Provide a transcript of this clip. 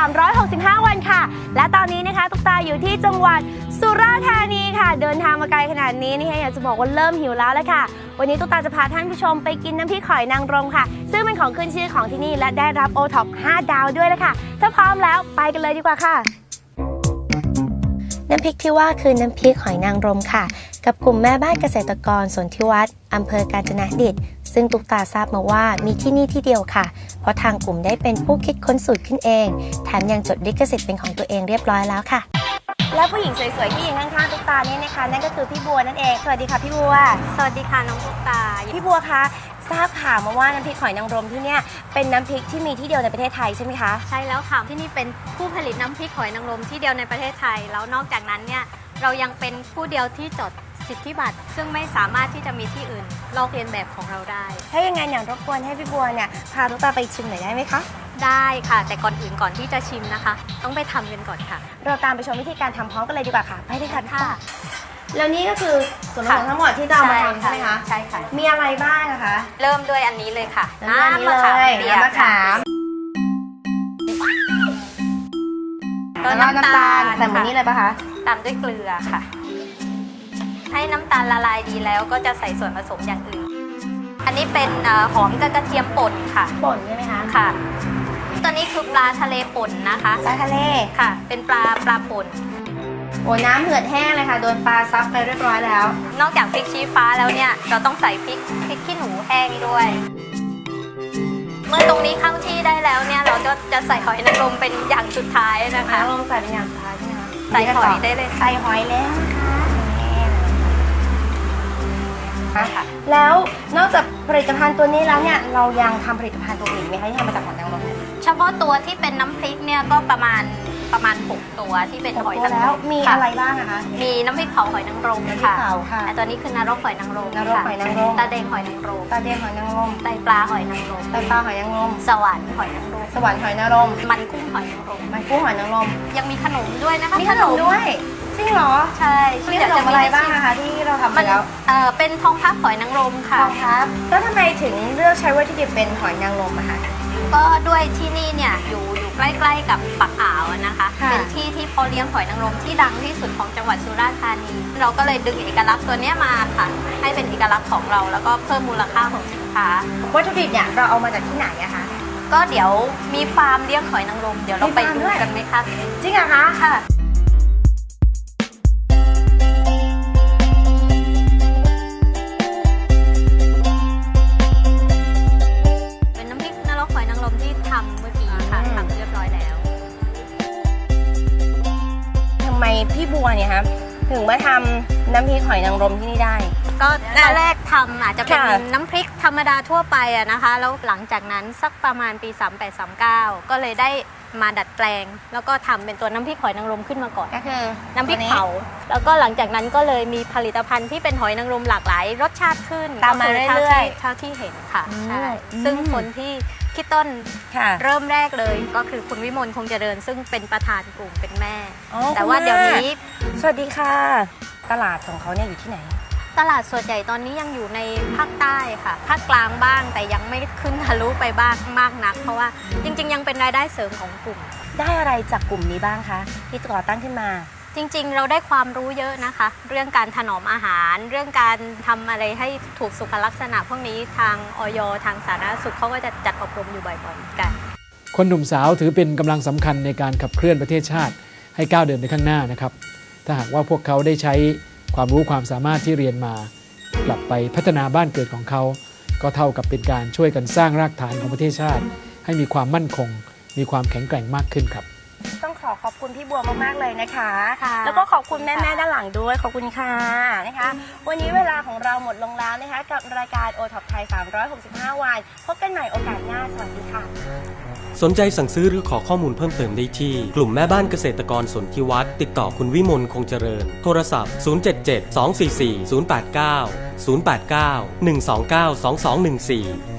365 วันค่ะและตอนนี้นะคะตุ๊กตาอยู่ที่จังหวัดสุราษฎร์ธานีค่ะเดินทางมาไกลขนาดนี้นี่อยากจะบอกว่าเริ่มหิวแล้วละค่ะวันนี้ตุ๊กตาจะพาท่านผู้ชมไปกินน้ำพริกหอยนางรมค่ะซึ่งเป็นของขึ้นชื่อของที่นี่และได้รับ OTOP 5 ดาวด้วยละค่ะถ้าพร้อมแล้วไปกันเลยดีกว่าค่ะน้ำพริกที่ว่าคือน้ำพริกหอยนางรมค่ะกับกลุ่มแม่บ้านเกษตรกรสนธิวัฒน์อำเภอกาญจนดิตซึ่งตุ๊กตาทราบมาว่ามีที่นี่ที่เดียวค่ะเพราะทางกลุ่มได้เป็นผู้คิดค้นสูตรขึ้นเองแถมยังจดลิขสิทธิ์เป็นของตัวเองเรียบร้อยแล้วค่ะและผู้หญิงสวยๆที่ยืนข้างๆตุ๊กตานี่นะคะนั่นก็คือพี่บัวนั่นเองสวัสดีค่ะพี่บัวสวัสดีค่ะน้องตุ๊กตาพี่บัวคะทราบข่าวมาว่าน้ำพริกหอยนางรมที่เนี่ยเป็นน้ำพริกที่มีที่เดียวในประเทศไทยใช่ไหมคะใช่แล้วค่ะที่นี่เป็นผู้ผลิตน้ำพริกหอยนางรมที่เดียวในประเทศไทยแล้วนอกจากนั้นเนี่ยเรายังเป็นผู้เดียวที่จดสิทธิบัตรซึ่งไม่สามารถที่จะมีที่อื่นลอกเลียนแบบของเราได้ถ้าอย่างนั้นรบกวนให้พี่บัวเนี่ยพาตุ๊กตาไปชิมหน่อยได้ไหมคะได้ค่ะแต่ก่อนที่จะชิมนะคะต้องไปทำกันก่อนค่ะเราตามไปชมวิธีการทำพร้อมกันเลยดีกว่าค่ะไปเลยค่ะแล้วนี่ก็คือส่วนผสมทั้งหมดที่จะเอามาทำใช่ไหมคะใช่ค่ะมีอะไรบ้างนะคะเริ่มด้วยอันนี้เลยค่ะน้ำมะขามเปียกน้ำมะขามก็น้ำตาลใส่หมดนี้เลยปะคะตามด้วยเกลือค่ะให้น้ำตาลละลายดีแล้วก็จะใส่ส่วนผสมอย่างอื่นอันนี้เป็นหอมกับกระเทียมป่นค่ะป่นใช่ไหมคะค่ะตัวนี้คือปลาทะเลป่นนะคะปลาทะเลค่ะเป็นปลาป่นโอ้น้ำเหือดแห้งเลยค่ะโดนปลาซับไปเรียบร้อยแล้วนอกจากพริกชี้ฟ้าแล้วเนี่ยเราต้องใส่พริกขี้หนูแห้งด้วยเมื่อตรงนี้เข้าที่ได้แล้วเนี่ยเราก็จะใส่หอยนางรมเป็นอย่างสุดท้ายนะคะลงใส่เป็นอย่างสุดท้ายใช่ไหมคะใส่หอยได้เลยใส่หอยแล้วนะคะแล้วนอกจากผลิตภัณฑ์ตัวนี้แล้วเนี่ยเรายังทำผลิตภัณฑ์ตัวอื่นไหมคะที่ทำมาจากหอยนางรมเฉพาะตัวที่เป็นน้ำพริกเนี่ยก็ประมาณ6 ตัวที่เป็นหอยนางรมมีอะไรบ้างนะคะมีน้ำพริกเผาหอยนางรมค่ะตัวนี้คือนรกหอยนางรมตาแดงหอยนางรมไตปลาหอยนางรมสวรรค์หอยนางรมมันกุ้งหอยนางรมยังมีขนมด้วยนะคะมีขนมด้วยจริงเหรอใช่มีขนมอะไรบ้างนะคะที่เราทำไปแล้วเป็นทองพับหอยนางรมค่ะทองพับแล้วทำไมถึงเลือกใช้วัตถุดิบเป็นหอยนางรมอะคะก็ด้วยที่นี่เนี่ยอยู่ใกล้ๆกับปากอ่าวนะคะเป็นที่เพาะเลี้ยงหอยนางรมที่ดังที่สุดของจังหวัดสุราษฎร์ธานีเราก็เลยดึงเอกลักษณ์ตัวนี้มาค่ะให้เป็นเอกลักษณ์ของเราแล้วก็เพิ่มมูลค่าของสินค้าวัตถุดิบเนี่ยเราเอามาจากที่ไหนอะคะก็เดี๋ยวมีฟาร์มเลี้ยงหอยนางรมเดี๋ยวเราไปดูกันไหมคะจริงเหรอคะค่ะพี่บัวเนี่ยครับถึงมาทำน้ำพริกหอยนางรมที่นี่ได้ก็ตอนแรกทำอาจจะเป็นน้ำพริกธรรมดาทั่วไปอะนะคะแล้วหลังจากนั้นสักประมาณปี38-39ก็เลยได้มาดัดแปลงแล้วก็ทำเป็นตัวน้ำพริกหอยนางรมขึ้นมาก่อนก็คือน้ำพริกเผาแล้วก็หลังจากนั้นก็เลยมีผลิตภัณฑ์ที่เป็นหอยนางรมหลากหลายรสชาติขึ้นตามมาเรื่อยๆเท่าที่เห็นค่ะใช่ซึ่งคนที่คิดต้นเริ่มแรกเลยก็คือคุณวิมลคงเจริญซึ่งเป็นประธานกลุ่มเป็นแม่แต่ว่าเดี๋ยวนี้สวัสดีค่ะตลาดของเขาเนี่ยอยู่ที่ไหนตลาดส่วนใหญ่ตอนนี้ยังอยู่ในภาคใต้ค่ะภาคกลางบ้างแต่ยังไม่ขึ้นทะลุไปบ้างมากนักเพราะว่าจริงๆยังเป็นรายได้เสริมของกลุ่มได้อะไรจากกลุ่มนี้บ้างคะที่ก่อตั้งขึ้นมาจริงๆเราได้ความรู้เยอะนะคะเรื่องการถนอมอาหารเรื่องการทำอะไรให้ถูกสุขลักษณะพวกนี้ทางอย.ทางสาธารณสุขเขาก็จะจัดอบรมอยู่บ่อยๆกันคนหนุ่มสาวถือเป็นกำลังสำคัญในการขับเคลื่อนประเทศชาติให้ก้าวเดินไปข้างหน้านะครับถ้าหากว่าพวกเขาได้ใช้ความรู้ความสามารถที่เรียนมากลับไปพัฒนาบ้านเกิดของเขาก็เท่ากับเป็นการช่วยกันสร้างรากฐานของประเทศชาติให้มีความมั่นคงมีความแข็งแกร่งมากขึ้นครับต้องขอบคุณพี่บัวมากๆเลยนะคะแล้วก็ขอบคุณแม่ๆด้านหลังด้วยขอบคุณค่ะนะคะวันนี้เวลาของเราหมดลงแล้วนะคะกับรายการ OTOP ไทย365 วันพบกันใหม่โอกาสหน้าสวัสดีค่ะสนใจสั่งซื้อหรือขอข้อมูลเพิ่มเติมได้ที่กลุ่มแม่บ้านเกษตรกรสนธิวัฒน์ติดต่อคุณวิมลคงเจริญโทรศัพท์077 244 089 089 129 2214